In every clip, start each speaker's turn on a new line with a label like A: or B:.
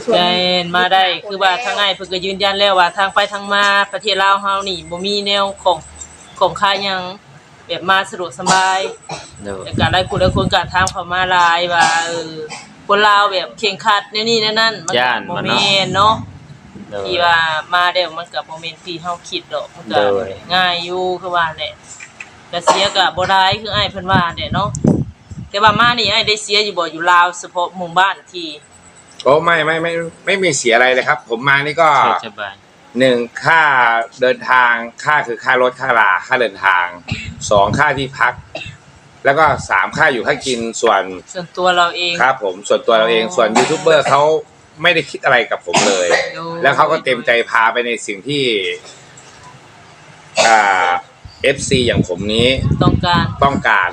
A: ส่วน
B: มาได้คือว่าทางอ้ายเพิ่นก็ยืนยันแล้วว่าทางไปทางมาประเทศลาวเฮานี่บ่มีแนวของค่ายหยังแบบมาสะดวกสบายแต่ก็หลายผู้หลายคนก็ถามเข้ามาหลายว่าคนลาวแบบเคร่งครัดแนวนี้แนวนั้นมันบ่แม่นเนาะที่ว่ามาแล้วมันก็บ่แม่นที่เฮาคิดดอกมันก็ง่ายอยู่คือว่าแหละก็เสียก็บ่ได้คืออ้ายเพิ่นว่าแหละเนาะแต่ว่ามานี่อ้ายได้เสียอยู่บ่อยู่ลาวเฉพาะหมู่บ้านที่
C: โอ้ไม่มีเสียอะไรเลยครับผมมานี่ก็1ค่าเดินทางคือค่ารถค่าลาค่าเดินทาง2ค่าที่พักแล้วก็3ค่าอยู่ค่ากินส่วน
B: ตัวเราเอง
C: ครับผมส่วนตัวเราเองส่วนยูทูบเบอร์เขาไม่ได้คิดอะไรกับผมเลยแล้วเขาก็เต็มใจพาไปในสิ่งที่FC อย่างผมนี้ต้องการ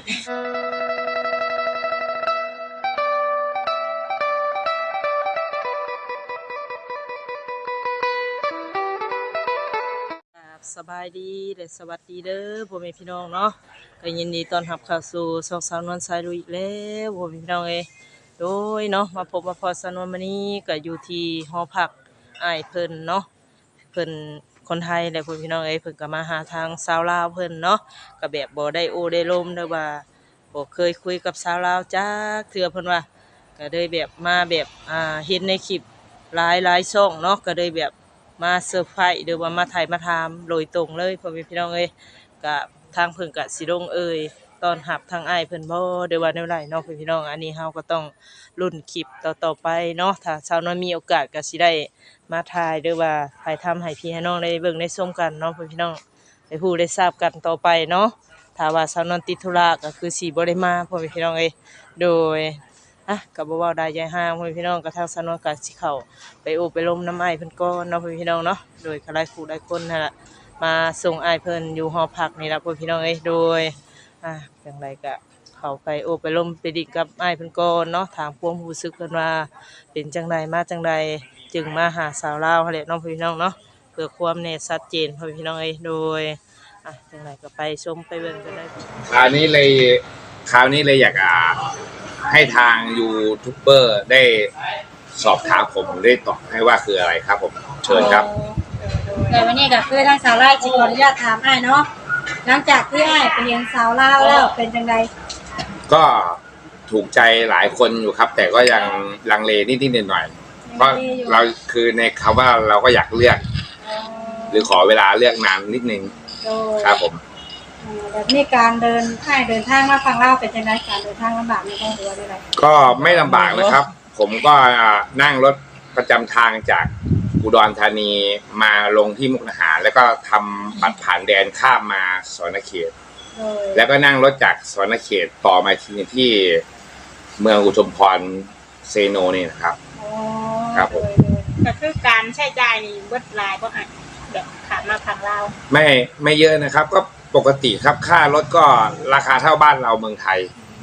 B: สบายดีและสวัสดีเด้อพ่อแม่พี่น้องเนาะก็ยินดีต้อนรับเข้าสู่ช่องสาวนวลสายลุยอีกแล้วพ่อแม่พี่น้องโดยเนาะมาพบมาพอสาวนวลมื้อนี้ก็อยู่ที่หอพักอ้ายเพิ่นเนาะเพิ่นคนไทยและพ่อแม่พี่น้องเพิ่นก็มาหาทางสาวลาวเพิ่นเนาะก็แบบบ่ได้โอได้ลมเด้อว่าบ่เคยคุยกับสาวลาวจักเทื่อเพิ่นว่าก็เลยแบบมาแบบเห็นในคลิปหลายช่องเนาะก็เลยแบบมาเซอร์ไพรส์หรือว่ามาถ่ายมาถามโดยตรงเลยพ่อแม่พี่น้องก็ทางเพิ่นก็สิลงตอนรับทางอ้ายเพิ่นบ่หรือว่าแนวใดเนาะพี่น้องอันนี้เฮาก็ต้องลุ้นคลิปต่อไปเนาะถ้าชาวน้อยมีโอกาสก็สิได้มาถ่ายหรือว่าถ่ายทำให้พี่ให้น้องได้เบิ่งได้ชมกันเนาะพี่น้องได้ฮู้ได้ทราบกันต่อไปเนาะถ้าว่าชาวน้อยติดธุระก็คือสิบ่ได้มาพ่อแม่พี่น้องโดยก็บ่เว้าได้ใจห่างพ่อแม่พี่น้องก็ทางชาวน้อยก็สิเข้าไปโอบไปลมน้ำอ้ายเพิ่นก่อนเนาะพี่น้องเนาะโดยก็หลายผู้หลายคนนั่นล่ะมาส่งอ้ายเพิ่นอยู่หอพักนี่ล่ะพ่อพี่น้องโดยจังไดก็เข้าไปโอบไปลมไปดิกับอ้ายเพิ่นก่อนเนาะถามความรู้สึกเพิ่นว่าเป็นจังไดมาจังไดจึงมาหาสาวลาวหั่นแหละเนาะพี่น้องเนาะเพื่อความแน่ชัดเจนพ่อพี่น้องโดยจังไดก็ไปชมไปเบิ่งกันได้
C: คราวนี้เลยอยากให้ทางยูทูบเบอร์ได้สอบถามผมได้ตอบให้ว่าคืออะไรครับผมเชิญครับ
A: แต่วันนี้ก็คือทางสาวลาวขออนุญาตถามอ้ายเนาะหลังจากที่อ้ายไปเรียนสาวลาวแล้วเป็นจังได
C: ก็ถูกใจหลายคนอยู่ครับแต่ก็ยังลังเลนิดๆหน่อยๆเพราะเราคือในคำว่าเราก็อยากเลือกหรือขอเวลาเลือกนานนิดนึงครับผม
A: แบบนี้การเดินทางมาฟังเล่าเป็นจังไดการเดินทางลำบากไหมหรือว่าอะไร
C: ก็ไม่ลำบากนะครับผมก็นั่งรถประจำทางจากอุดรธานีมาลงที่มุกดาหารแล้วก็ทำบัตรผ่านแดนข้ามมาสวรรณเขตแล้วก็นั่งรถจากสวรรณเขตต่อมาที่เมืองอุทุมพรเซโนนี่นะครับครับผม
A: ก็คือการใช้จ่ายนี่เบิดหลายบ่แบบขาดมาพังลาว
C: ไม่เยอะนะครับก็ปกติครับค่ารถก็ราคาเท่าบ้านเราเมืองไทย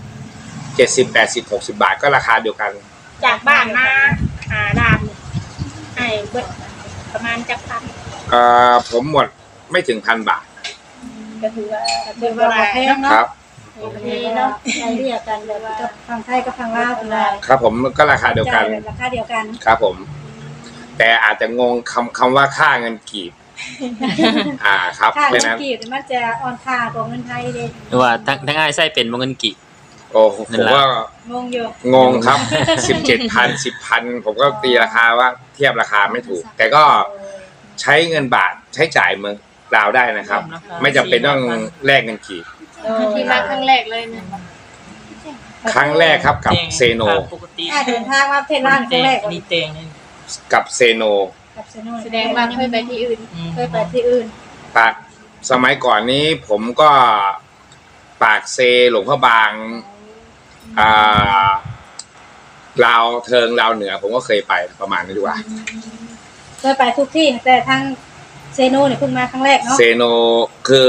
C: 70 80 60 บาทก็ราคาเดียวกัน
A: จากบ้านมาหาด่านเบิดประมาณจักพัน
C: ผมหมดไม่ถึง1,000 บาท
A: ก็ถือว่าแพงเนาะครับเนาะเรียกกันแบบกับฝั่งไทยกับฝั่งลาวเป็นไร
C: ครับผมก็ราคาเดียวกันครับผมแต่อาจจะงงคำว่าค่าเงินกีบครับ
A: ค่าเงินกีบมันจะอ่อนค่ากว่าเงินไทยเด้
D: หรือว่าทั้งอ้ายใช้เป็นบ่เงินกีบ
C: โอ้ผมว่าง
A: งอยู่
C: งงครับ 17,000 10,000ผมก็ตีราคาว่าเทียบราคาไม่ถูกแต่ก็ใช้เงินบาทใช้จ่ายเมืองลาวได้นะครับไม่จำเป็นต้องแลกเงินกีบ
A: ที่มาครั้งแรกเลยเนี่ย
C: ครั้งแรกครับกับเซโน
A: เดินทางมาเพชรลาดครั้งแรก
B: นี่เตง
C: กับเซโน
A: แสดงว่าเคยไปที่อื่น
C: ปากสมัยก่อนนี้ผมก็ปากเซหลวงพระบางลาวเทิงลาวเหนือผมก็เคยไปประมาณนี้ดีกว่า
A: เคยไปทุกที่แต่ทางเซโนเนี่ยเพิ่งมาครั้งแรกเนาะ
C: เซโนคือ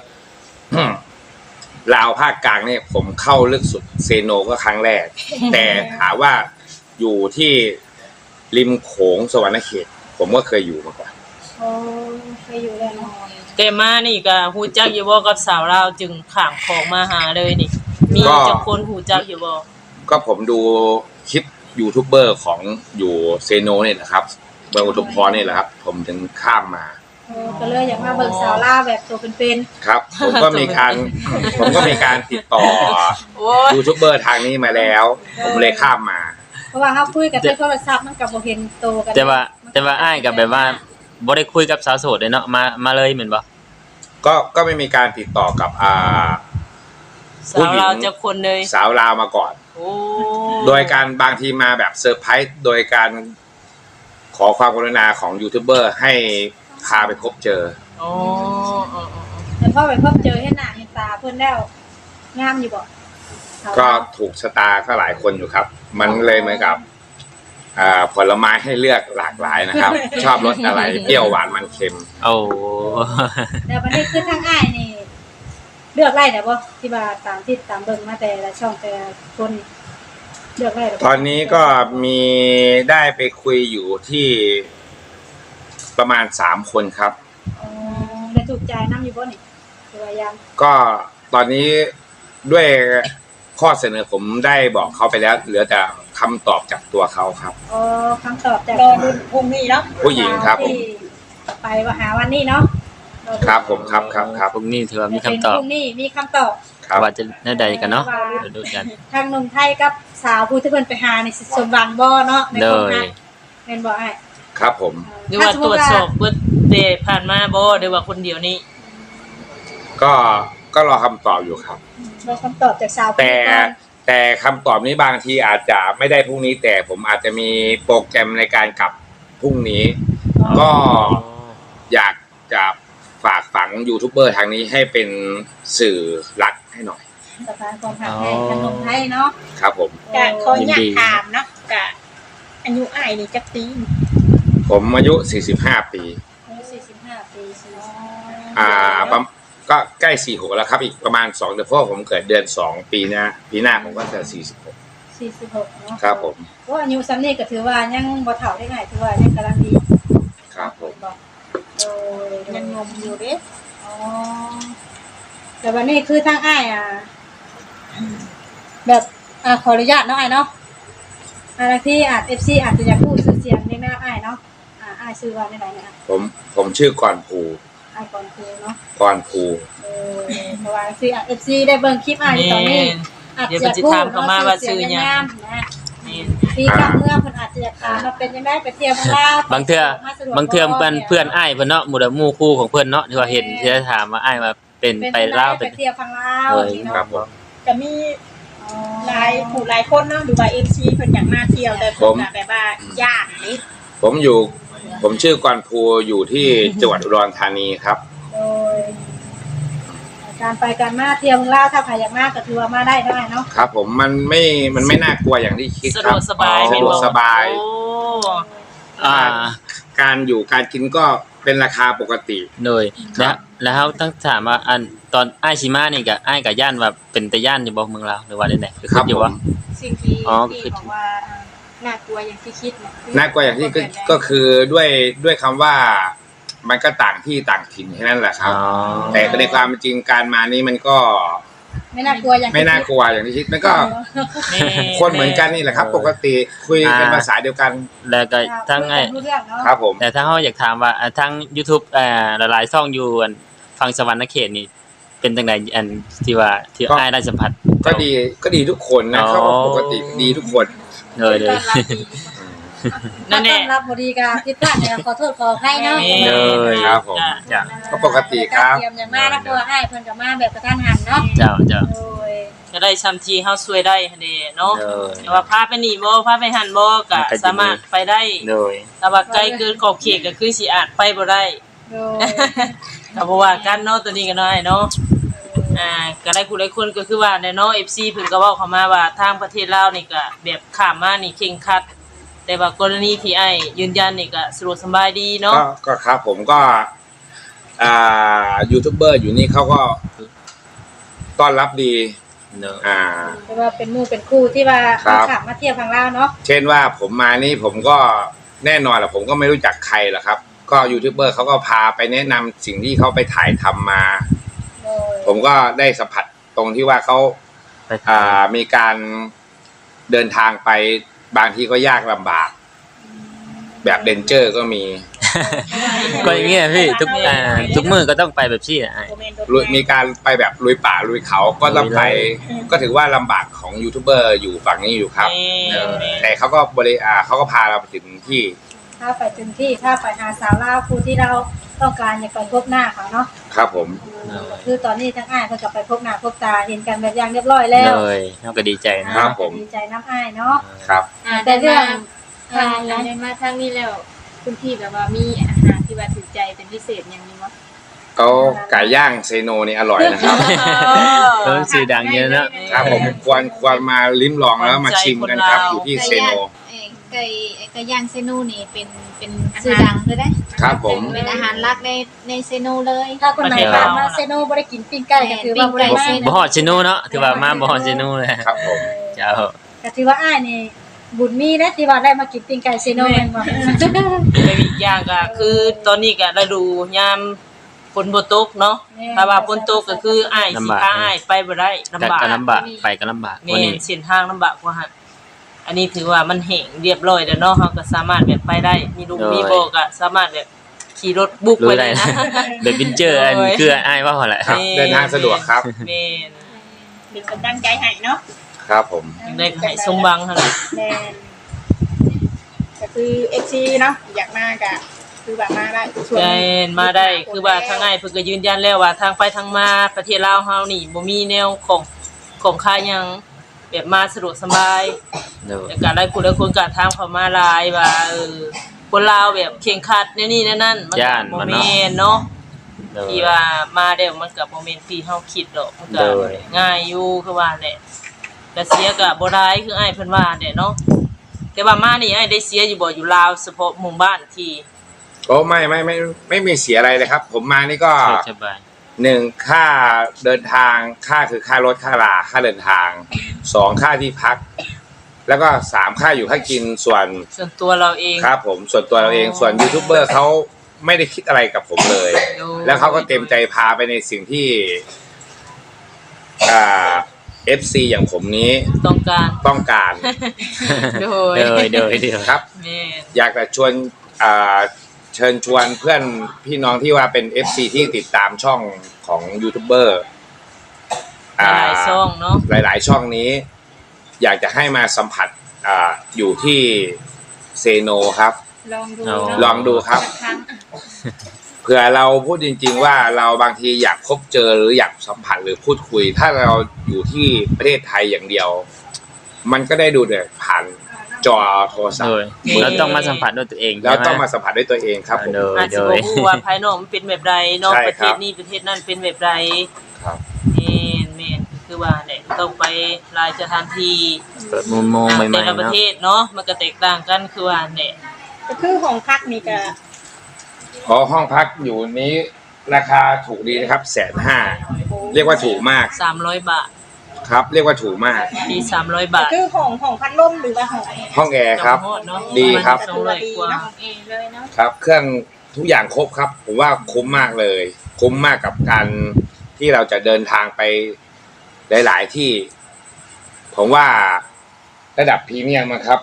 C: ลาวภาคกลางเนี่ยผมเข้าลึกสุดเซโนก็ครั้งแรกแต่ถามว่าอยู่ที่ริมโขงสวรรณเขตผมก็เคยอยู่มาก่อน
A: เคยอยู่แล้วเนาะ
B: แต่มานี่ก็ฮู้จักอยู่บ่กับสาวลาวจึงข้ามของมาหาเลยนี่มีจักคนฮู้จักอยู่บ่
C: ก็ผมดูคลิปยูทูบเบอร์ของอยู่เซโนเนี่ยนะครับเมืองอุทุมพรนี่แหละครับ ผมถึงข้ามมา
A: ก็เลยอยากมาเบิ่งสาวลาวแบบตัวเป็น
C: ครับ ผมก็มีการติดต่อ
B: โอ้ย
C: ยูทูบเบอร์ทางนี้มาแล้ว ผมเลยข้ามมา
A: ๆเพราะว่าเฮาคุยกันในโทรศัพท์มันก็บ่เห็นโตกัน
D: แต่ว่าอ้ายกับแบบว่าบ่ได้คุยกับสาวโสดเลยเนาะมาเลยเหมือนบ่
C: ก็ไม่มีการติดต่อกับ
B: สาวเราจะคนเลย
C: สาวลาวมาก่อน
B: โอ้
C: โดยการบางทีมาแบบเซอร์ไพรส์โดยการขอความกรุณาของยูทูบเบอร์ให้พาไปพบเจอ
B: อ๋อ
A: แต่พอไปพบเจอเห็นหน้าเห็นตาเพิ่นแล้วงามอยู่บ่สาว
C: ก็
A: ลาว
C: ถูกชะตาก็หลายคนอยู่ครับ มันเลยเหมือนกับผลไม้ให้เลือกหลากหลายนะครับ ชอบรสอะไรเปรี้ยวหวานมันเค็ม
D: โอ้
A: แต่บัดนี้คือทางอ้ายนี่เลือกได้บ่ที่ว่าตามที่ตามเบิ่งมาแต่ละช่องแต่ละคนนี่เลือกได้บ่
C: ตอนนี้ก็มีได้ไปคุยอยู่ที่ประมาณ3 คนครับ
A: อ๋อได้ถูกใจนำอยู่บ่นี่หรือว่ายัง
C: ก็ตอนนี้ด้วยข้อเสนอผมได้บอกเขาไปแล้วเหลือแต่คำตอบจากตัวเขาครับ
A: อ๋อคำตอบจาก
E: รอดูพรุ่งนี้เนาะ
C: ผู้หญิงครับผม
A: ที่ไปว่าหาวันนี้เนาะ
C: ครับผมครับ
D: พรุ่งนี้ถือว่ามีคำตอบ
A: พรุ่งนี้มีคำตอบ
C: ครับ
D: ว่าจะแนวใดกันเนาะเดี๋ยวดูกัน
A: ทางหนุ่มไทยกับสาวผู้ที่เพิ่นไปหานี่สิสมหวังบ่เนาะใน
D: เล
A: ความ
D: ย
A: รักแม่นบ่อ้าย
C: ครับผม
B: หรือว่าตรวจสอบเบิดเดผ่านมาบ่หรือว่าคนเดียวนี้
C: ก็รอคำตอบอยู่ครับ
A: รอคำตอบจากสาวผู้
C: แต่
A: นี้ก่อน
C: แต่คำตอบนี้บางทีอาจจะไม่ได้พรุ่งนี้แต่ผมอาจจะมีโปรแกรมในการกลับพรุ่งนี้ ก็อยากจะฝากฝังยูทูบเบอร์ทางนี้ให้เป็นสื่อหลักให้หน่อย
A: สถานความหักให้ทางหนุ่มไทยเนาะ
C: ครับผม
E: กะขออยากถามเนาะกะอายุอ้ายนี่จักปี
C: ผมอายุ 45 ปี
A: อายุ45 ปี
C: ก็ใกล้46แล้วครับอีกประมาณ2 เดือนเพราะผมเกิดเดือน 2 ปีหน้าผมก็จะ46
A: 46เนาะ
C: ครับผม
A: โอ้อายุซ้ำนี้ก็ถือว่ายังบ่เฒ่าได้ไงถือว่ายังกำลังดี
C: ครับผม
A: โอ้ย
E: ยังงมอยู่เด้
A: อ๋อแต่วันนี้คือทางอ้ายแบบขออนุญาตเนาะอ้ายเนาะที่อาจ FC อาจจะอยากพูดชื่อเสียงในหน้าอ้ายเนาะอ้ายชื่อว่าได้ไหนเนี่ย
C: ผมชื่อกรภู
A: อ้ายก่อนคือเนาะ
C: กรภู
A: เพราะว่าคือ FC ได้เบิ่งคลิปอ้ายตอนนี้อาจจะพูดว่าชื่อหยังนะ
B: นี่
A: ที่กลางเมืองเพิ่นอาจจะอยากถามว่าเป็นจังได๋ไปเที่ยวเมืองลาว
D: บางเทื่อเพื่อนอ้ายเพิ่นเนาะหมู่หมู่คู่ของเพิ่นเนาะที่ว่าเห็นที่จะถามว่าอ้ายมาเป็นไปลาว
A: ไป
D: เป็น
A: เที่ยวฝั่งลาว
D: เออ
A: นี่
C: ครั
A: เนาะ
C: บผม
E: ก็มีหลายคนเนาะหรือว่า MC เพิ่นอยากมาเที่ยวแต่เพิ่นก็แบบว่าย่านนี่
C: ผมชื่อกรภูอยู่ที่จังหวัดอุดรธานีครับ
A: โดยการไปการมาเที่ยวเมืองลาวถ้าใครอยากมาก็ถือว่ามาได้เนาะเนาะ
C: ครับผมมันไม่น่ากลัวอย่างที่คิด
B: สะ
C: ค
B: ด
C: รับ
B: วกสบาย
C: สะดวกสบาย
B: โอ้
D: อ่า
C: การอยู่การกินก็เป็นราคาปกติ
D: โดยแล้วต้องถามว่าอันตอนอ้ายชิมานี่ก็อ้ายกับย่านว่าเป็นตะย่านอยู่บ่เมืองลาวหรือว่าได้ไหนคือ
C: ครับ
D: อยู่
C: ผม
D: ว่า
E: สิ่งที่
D: อ๋อ
E: ที่บอกว่าน่ากลัวอย่างที่คิดเนี่ย
C: น่ากลัวอย่างที่ก็คือด้วยคำว่ามันก็ต่างที่ต่างถิ่นแค่นั้นแหละครับ
D: อ๋อ
C: แต่ในความเป็นจริงการมานี้มันก็
A: ไม่น่ากลัวอย่างที่
C: ไม่น่ากลัวอย่างที่คิดมันก็
B: แม่
C: คนเหมือนกันนี่แหละครับ ปกติคุยกันภาษาเดียวกัน
D: แล้วก็ทั้งไง
A: รู้เรื่องเนาะ
C: ครับผม
D: แต่ถ้าเฮาอยากถามว่าทั้ง YouTube หลายๆช่องอยู่อันฟังสวรรค์เขตนี่เป็นจังไดอันที่ว่าที่อ้ายได้สัมผัส
C: ก็ดีทุกคนนะ
D: อ๋อ
C: เขาปกติดีทุกคน
D: เลย
B: นั่นแห
A: ต้
B: ละ
A: อนรับบดีกาผิดพลาดเนี่ยขอโทษขออภัยเนาะ
D: เลย
C: ครับผม
D: จ้ะ
C: ก็ปกติครับ
A: เตรียมอย่างมากนะเพราะว่าอ้ายเพิ่นก็มาแบบกระทันหันเนาะ
D: เจ้า
A: โอ้ย
B: ก็ได้ซ้ำที่เฮาช่วยได้หั่นเด้เนาะ
D: เลย
B: แต่ว่าพาไปนี่บ่พาไปหันบ่ก็สามารถไปได้
D: เลย
B: แต่ว่าไกลเกินขอบเขตก็คือสิอาจไปบ่ได้
A: โดย
B: ก็บ่ว่ากันเนาะตัวนี้ก็น้อยเนาะก็ได้ผู้หลายคนก็คือว่าเนาะ FC เพิ่นก็เว้าเข้ามาว่าทางประเทศลาวนี่ก็แบบข้ามมานี่เคร่งครัด แต่ว่ากรณีที่ไอ้ยืนยันนี่ก็สะดวกสบายดีเนาะ
C: ก็ครับผมก็ยูทูบเบอร์อยู่นี่เขาก็ต้อนรับดี
D: เนอะ
A: แต่ว่าเป็นหมู่เป็นคู่ที่ว่า
C: ครับ
A: ขับมาเที่ยวฝั่งลาวเนาะ
C: เช่นว่าผมมานี่ผมก็แน่นอนแหละผมก็ไม่รู้จักใครหรอกครับ ก็ยูทูบเบอร์เขาก็พาไปแนะนำสิ่งที่เขาไปถ่ายทำมา
A: โดย
C: ผมก็ได้สัมผัสตรงที่ว่าเขา
D: ไปถ่าย
C: มีการเดินทางไปบางทีก็ยากลำบาก แบบเดนเจอร์ก็มี
D: ก็อย่างเงี้ยพี่ทุกมื้อก็ต้องไปแบบซี่อ่ะ
C: มีการไปแบบลุยป่าลุยเขาก็ต้องไป ก็ถือว่าลำบากของยูทูบเบอร์อยู่ฝั่งนี้อยู่ครับแต่เขาก็เขาก็พาเราไปถึงที่
A: ถ้าไปถึงที่ถ้าไปหาสาวลาวผู้ที่เราต้องการอยากไปพบหน้าเขาเนาะ
C: ครับผม
A: คือตอนนี้ทั้งอ้ายเพิ่นก็ไปพบหน้าพบตาเห็นกันแบบอย่างเรียบร้อยแล้ว
D: เลยเฮาก็ดีใจนะครับ
C: ผม
A: ดีใจน้ำอ้ายเนาะ
C: ครับ
A: แต่เรื่อง
F: ได้มาทางนี้แล้วคุณพี่แบบว่ามีอาหารที่ว่าถูกใจเป็นพิเศษอย่างนี้วะ
C: ก็ไก่ย่างเซโนนี่อร่อยนะครับ
D: ชื่อดังเยอะเนาะ
C: ครับผมควรมาลิ้มลองแล้วมาชิมกันครับอยู่ที่เซโน
F: ไก่ย่างเซนูนี่เป็นชื่อดังเลยได้
C: ครับผม
F: เป็นอาหารหลักในเซนูเลย
A: ถ้าคนไหนผ่านมาเซโนบ่ได้กินปิ้งไก่ก็ถือว่าบ่ได้มา
D: บ่ฮอดซิโนเนาะถือว่ามาบ่ฮอดซิโนเลย
C: ครับผม
D: เจ้า
A: ก็ถือว่าอ้ายนี่บุญมีนะที่ว่าได้มากินปิ้งไก่เซโนแม่นบ่
B: แต่อีกอย่างก็คือตอนนี้ก็ฤดูยามฝนบ่ตกเนาะถ้าว่าฝนตกก็คืออ้ายสิพาอ้ายไปบ่ได้ลำบาก
D: ก็ลำบากไปก็ลำบาก
B: แม่
D: วันนี้
B: นเส้นทางลำบากกว่าหั่นอันนี้ถือว่ามันแห้งเรียบร้อยแล้วเนาะเฮาก็สามารถแบบไปได้มีลูกมีโบก็สามารถแบบขี่รถบุก
D: รู้
B: ไป
D: ได้
B: ได้
D: นะ
B: นะ
D: แบบวินเจอร์อันคืออ้ายว่าหั่นแหละ
C: ครับเดินทางสะดวกครับ
B: แม่น
E: เป็นกำลังใจให้เนาะ
C: ครับผม
B: จังได้ก็ให้สมหวังหั่นแหละ
E: แม่นก็คือ FC เนาะอยากมาก็คือว่ามาได้ชวน
B: แม่นมาได้คือว่าทางอ้ายเพิ่นก็ยืนยันแล้วว่าทางไปทางมาประเทศลาวเฮานี่บ่มีแนวของค่าหยังแบบมาสะดวกสบาย
D: เด้อ
B: แต่การได้คุณและคนการทางเขามาหลายว่าคนลาวแบบเข่งขัดนี่นั่นมันก็บ่แม่นเนาะ
D: เด้อ
B: ที่ว่ามาเดี๋ยวมันก็บ่แม่นที่เฮาคิดดอกมันก็
D: โดย
B: ง่ายอยู่คือว่าแหละแต่เสียก็บ่ได้คืออ้ายเพิ่นว่าแหละเนาะแต่ว่ามานี่อ้ายได้เสียอยู่บ่อยู่ลาวเฉพาะหมู่บ้านที่
C: ก็ไม่มีเสียอะไรเลยครับ ผมมานี่ก็
D: สบาย
C: 1ค่าเดินทางคือค่ารถค่าลาค่าเดินทาง2ค่าที่พัก แล้วก็3ค่าอยู่ค่ากินส่วน
B: ส่วนตัวเราเอง
C: ครับผมส่วนตัวเราเองส่วนยูทูบเบอร์เขาไม่ได้คิดอะไรกับผมเลย แล้วเขาก็เต็มใจพาไปในสิ่งที่FC อย่างผมนี้
B: ต้องการ
C: ต้องการ
B: โดย
D: เด้อ
C: ครับ
B: แม่น
C: อยากจะชวนเชิญชวนเพื่อนพี่น้องที่ว่าเป็น FC ที่ติดตามช่องของยูทูบเบอร์
B: หลายช่องเนาะ
C: หลายๆช่องนี้ อยากจะให้มาสัมผัสอยู่ที่เซโนครับ
F: ลองดู
C: ลองดูครับ
F: ครั้ง
C: เผื่อเราพูดจริงๆว่าเราบางทีอยากพบเจอหรืออยากสัมผัสหรือพูดคุย ถ้าเราอยู่ที่ประเทศไทยอย่างเดียว มันก็ได้ดูแต่ผ่านจอโทรศัพ
D: โด
C: ท์
D: ยเราต้องมาสัมผัสด้วยตัวเอง
C: แล้วต้องมาสัมผัสด้วยตัวเองครับผม
B: อาจจะบ่ฮู้ว่าภายนอกมันเป็นแบบใดเนาะ
C: ใช่
B: ประ
C: ค
B: เท
C: รับ
B: ศนี้ประเทศนั้นเป็นแบบใด
C: ครับ
B: แม่นคือว่าเนี่ยต้องไปหลายสถานที่
D: เปิดมุมมองใหม่
B: แต่
D: ๆ
B: ละประ
D: เนาะ
B: เทศเนาะมันก็แตกต่างกันคือว่าเนี่ย
E: ก็คือของพักนี่ก็
C: ห้องพักอยู่นี้ราคาถูกดีนะครับ150,000เรียกว่าถูกมาก
B: 300 บาท
C: ครับ เรียกว่าถูกมาก
B: มี300 บาท
E: คือของพัดลมหรือว่าของ
C: ห้องแอร์ครับ
B: จำฮอดเนาะ
C: ดีครับ
B: มัน200กว่า
F: เองเลยเนาะ
C: ครับ เครื่องทุกอย่างครบครับ ผมว่าคุ้มมากเลย คุ้มมากกับการที่เราจะเดินทางไปหลายๆที่ ผมว่าระดับพรีเมียมนะครับ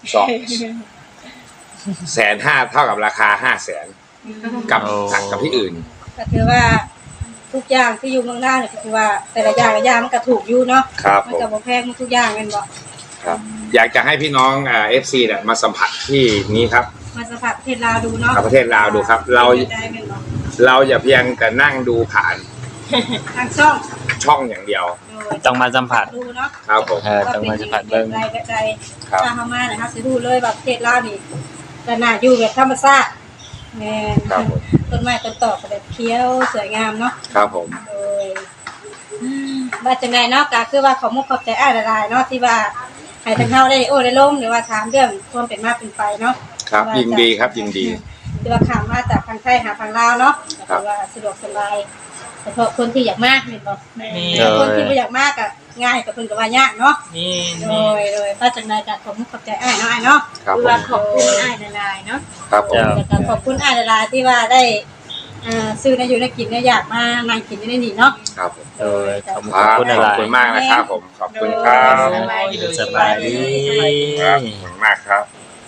C: 250,000เท่ากับราคา500,000กับที่อื่น
A: ก็ถือว่าทุกอย่างที่อยู่เมืองหน้าเนี่ยก็คือว่าแต่ละอย่างมันก็ถูกอยู่เนาะ
C: ครับ
A: มัน
C: ผม
A: ก็บ่แพงทุกอย่างแม่นบ่
C: ครับ อยากจะให้พี่น้องFC เนี่ยมาสัมผัสที่นี้ครับ
A: มาสัมผัสประเทศลาวดูเนาะ
C: กับประเทศลาวดูครับ เรา
A: ได้แม่นบ่
C: อย่าเพียงแต่นั่งดูผ่าน
A: ทางช่อง
C: ช่องอย่างเดียว
A: โดย
D: ต้องมาสัมผัส
A: ดูเนาะ
C: ครับผม
D: ต้องมาสัมผัสเบิ่ง
A: ว่าเป็นใด
C: ครับ
A: ถ้าเฮามาเนี่ยครับสิรู้เลยว่าประเทศลาวนี่ก็น่าอยู่แบบธรรมชาติแม่น
C: ครับผม
A: ต้นไม้ต้นตอกก็แบบเขียวสวยงามเนาะ
C: ครับผม
A: โดยว่าจังไดเนาะก็คือว่าขอมุกขอบใจอ้ายหลายๆเนาะที่ว่าให้ทางเฮาได้ได้ล้มหรือว่าถามเรื่องความเป็นมาเป็นไปเนาะ
C: ครับยินดีครับยินดี
A: ที่ว่าข้ามมาจากทางไทยหาทางลาวเนาะ
C: ครั
A: คื
C: บ
A: อว่าสะดวกสบายเฉพาะคนที่อยากมากแม่นบ่
B: แม่
D: เออ
A: คนที่บ่อยากมากก็ง่ายกับเพิ่นก็ว่ายากเนาะ
B: นี่
A: โดยว่าจังไดก็ขอมุกขอบใจอ้ายเนาะอ้ายเนาะ
C: ครับ
F: คือ
C: ผ
F: ว่าม ขอบคุณอ้ายหลายๆเนาะ
C: ครับผม
A: แล้วก็ขอบคุณอ้ายหลายๆที่ว่าได้ซื้อได้อยู่ได้กินได้อยากมานั่งกินได้นี่เนาะ
C: ครับผม
D: โดยขอบ
C: ครับ
D: คุณ
C: ข
D: ห
C: อบ
D: ลาย
C: คุณมากนะครับผมขอบคุณครับ
E: สบายดี
D: สบายดี
C: ครับขอบคุณมากครับ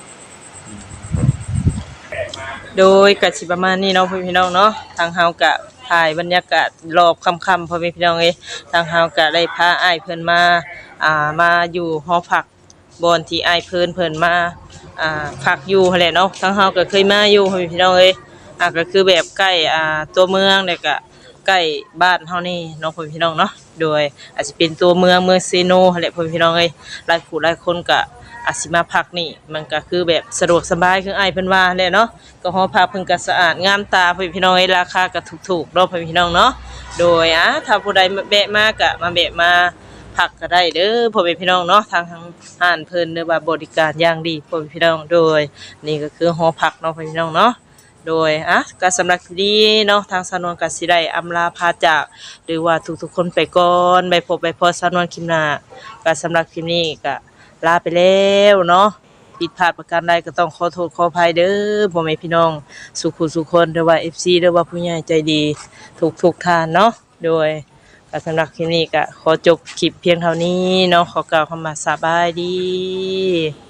B: โดยกสิประมาณนี้เนาะพี่น้องเนาะทางเฮากะถ่ายบรรยากาศรอบค่ำๆพ่อแม่พี่น้องเอ้ยทางเฮากะได้พาอ้ายเพิ่นมามาอยู่หอพักบอนที่อ้ายเพิ่นมาพักอยู่หั่นแหละเนาะทางเฮาก็เคยมาอยู่พ่อแม่พี่น้องเอ้ยก็คือแบบใกล้ตัวเมืองแล้วก็ใกล้บ้านเฮานี่เนาะพ่อแม่พี่น้องเนาะโดยอาจจะเป็นตัวเมืองเซโนหั่นแหละพ่อแม่พี่น้องเอ้ยหลายผู้หลายคนก็อาจสิมาพักนี่มันก็คือแบบสะดวกสบายคืออ้ายเพิ่นว่าแหละเนาะก็หอพักเพิ่นก็สะอาดงามตาพ่อแม่พี่น้องเอ้ยราคาก็ถูกๆเนาะพ่อแม่พี่น้องเนาะโดยถ้าผู้ใดแวะมาก็มาแวะมาพักก็ได้เด้อพ่อแม่พี่น้องเนาะทางห้านเพิ่นหรือว่าบริการอย่างดีพ่อแม่พี่น้องโดยนี่ก็คือหอพักเนาะพ่อแม่พี่น้องเนาะโดยก็สำหรับคลิปนี้เนาะทางสนวนก็สิได้อำลาพาจากหรือว่าทุกๆคนไปก่อนไปพบไปพอสนวนคลิปหน้าก็สำหรับคลิปนี้ก็ลาไปแล้วเนาะผิดพลาดประการใดก็ต้องขอโทษขออภัยเด้อพ่อแม่พี่น้องสุขุสุขคนหรือว่า FC หรือว่าผู้ใหญ่ใจดีทุกท่านเนาะโดยก็สำหรับคลิปนี้ก็ขอจบคลิปเพียงเท่านี้เนาะขอกล่าวคำว่าสบายดี